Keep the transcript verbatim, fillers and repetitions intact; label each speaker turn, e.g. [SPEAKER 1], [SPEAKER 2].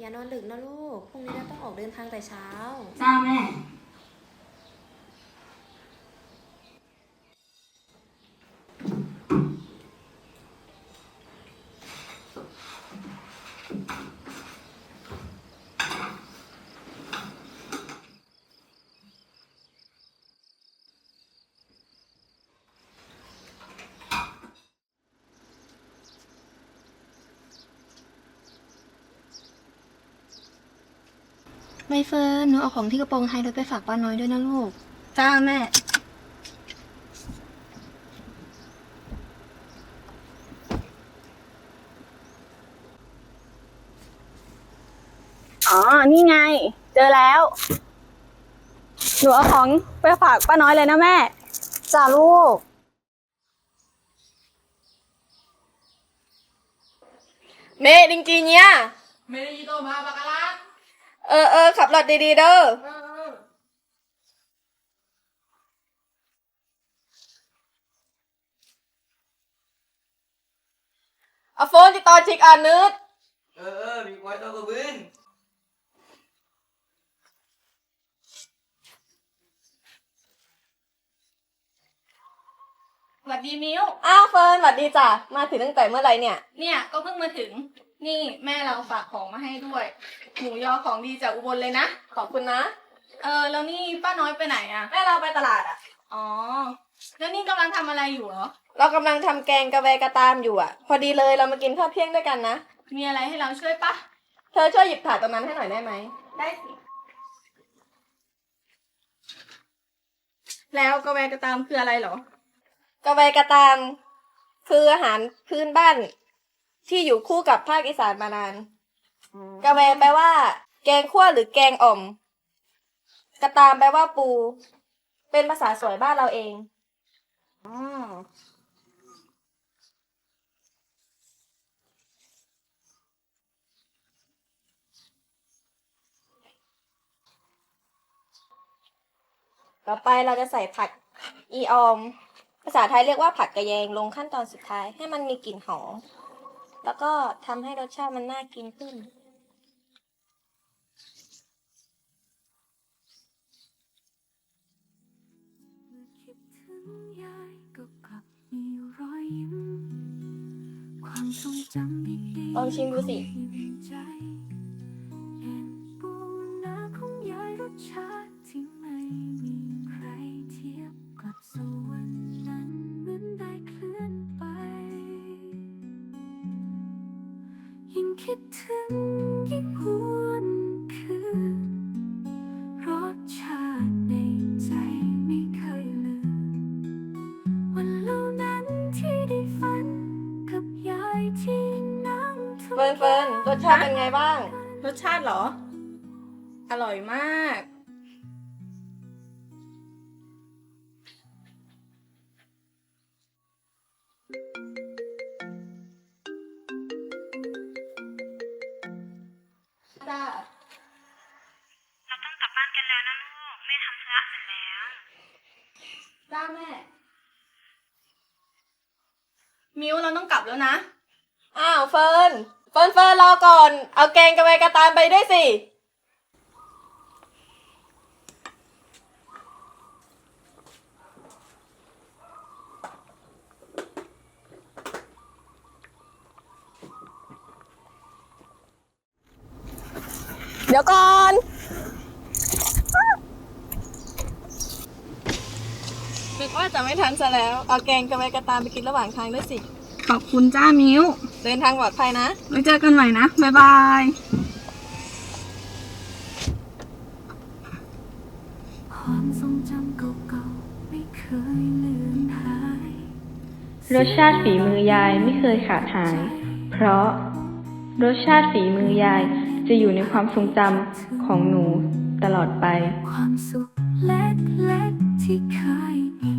[SPEAKER 1] อย่านอนดึกนะลูก พรุ่งนี้เราต้องออกเดินทางแต่เช้า
[SPEAKER 2] จ้าแม่
[SPEAKER 3] ใบเฟิร์นหนูเอาของที่กระโปรงท้ายรถไปฝากป้าน้อยด้วยนะลูก
[SPEAKER 2] จ้าแม่ อ๋อ นี่ไง เจอแล้ว หนูเอาของไปฝากป้าน้อยเลยนะแม่
[SPEAKER 1] จ้าลูก
[SPEAKER 4] เมย์ดิงจีเนี่ย
[SPEAKER 5] ไม่ได้ยินตัวมาปากกาลัง
[SPEAKER 4] เออเออขับรถดีๆเด้อเอาโฟนติดต่อชิกอ่านนึด
[SPEAKER 5] เออเออมีไว้ตัวกระบืน
[SPEAKER 2] สวัสดีมิว
[SPEAKER 4] อ้าวเฟิร์นสวัสดีจ้ะมาถึงตั้งแต่เมื่อไหร่เนี่ย
[SPEAKER 2] เนี่ยก็เพิ่งมาถึง นี่แม่เราฝากของมาให้ด้วย หมูยอของดีจากอุบลเลยนะ
[SPEAKER 4] ขอบคุณนะ
[SPEAKER 2] เออ แล้วนี่ป้าน้อยไปไหนอะ
[SPEAKER 4] แม่เราไปตลาดอ่ะ
[SPEAKER 2] อ๋อ แล้วนี่กำลังทำอะไรอยู่เหรอ
[SPEAKER 4] เรากำลังทำแกงกะแวกระตามอยู่อ่ะ พอดีเลยเรามากินข้าวเที่ยงด้วยกันนะ
[SPEAKER 2] มีอะไรให้เราช่วยปะ
[SPEAKER 4] เธอช่วยหยิบถาดตรงนั้นให้หน่อยได้ไหม
[SPEAKER 2] ได้สิ แล้วกาแฟกระตามคืออะไรเหรอ
[SPEAKER 4] กะแวกระตามคืออาหารพื้นบ้าน ที่อยู่คู่กับภาคอีสานมานาน กะแวแปลว่า แกงคั่วหรือแกงอ่อม กระตามแปลว่าปู เป็นภาษาสวยบ้านเราเอง
[SPEAKER 2] อ๋อ
[SPEAKER 4] ต่อไปเราจะใส่ผักอีออม ภาษาไทยเรียกว่าผักกระแยงลงขั้นตอนสุดท้ายให้มันมีกลิ่นหอม แล้วก็ทำให้รสชาติมันน่ากินขึ้น
[SPEAKER 6] คิดถึงยายก็กลับมีรอยยิ้มความทรงจำดีๆ
[SPEAKER 4] ลองชิมดูสิ
[SPEAKER 6] อยู่ในใจเห็นปูนาของยายรสชาติที่ไม่มีใครเทียบกับสวรรค์นั้นเหมือนได้เคลื่อนไป ยิ่งคิดถึงยิ่งหวนคืนรสชาติในใจไม่เคยลืมวันเหล่านั้นที่ได้ฝันกับยายที่นั่งทุก
[SPEAKER 4] เฟิร์นเฟิร์นรสชาติเป็นไงบ้าง
[SPEAKER 2] รสชาติเหรอ อร่อยมาก จ้า
[SPEAKER 3] เราต้องกลับบ้านกันแล้วนะลูก แม่ทำธุระเสร็จแล้ว
[SPEAKER 2] จ้าแม่ มิวเราต้องกลับแล้วนะ
[SPEAKER 4] อ้าวเฟิร์น เฟิร์นเฟิร์นรอก่อน เอาแกงกะแวกระตามไปด้วยสิ เดี๋ยวก่อน นึกว่าจะไม่ทันซะแล้ว เอาแกงกะแวกระตามไปกินระหว่างทางด้วยสิ
[SPEAKER 2] ขอบคุณจ้ามิว
[SPEAKER 4] เดินทางปลอดภัยนะ
[SPEAKER 2] ไว้เจอกันใหม่นะ บ๊ายบาย
[SPEAKER 6] ความทรงจำเก่าๆไม่เคยเลือนหาย
[SPEAKER 7] รสชาติฝีมือยายไม่เคยขาดหาย เพราะรสชาติฝีมือยายจะอยู่ในความทรงจำของหนูตลอดไป
[SPEAKER 6] ความสุขเล็กๆที่เคยมี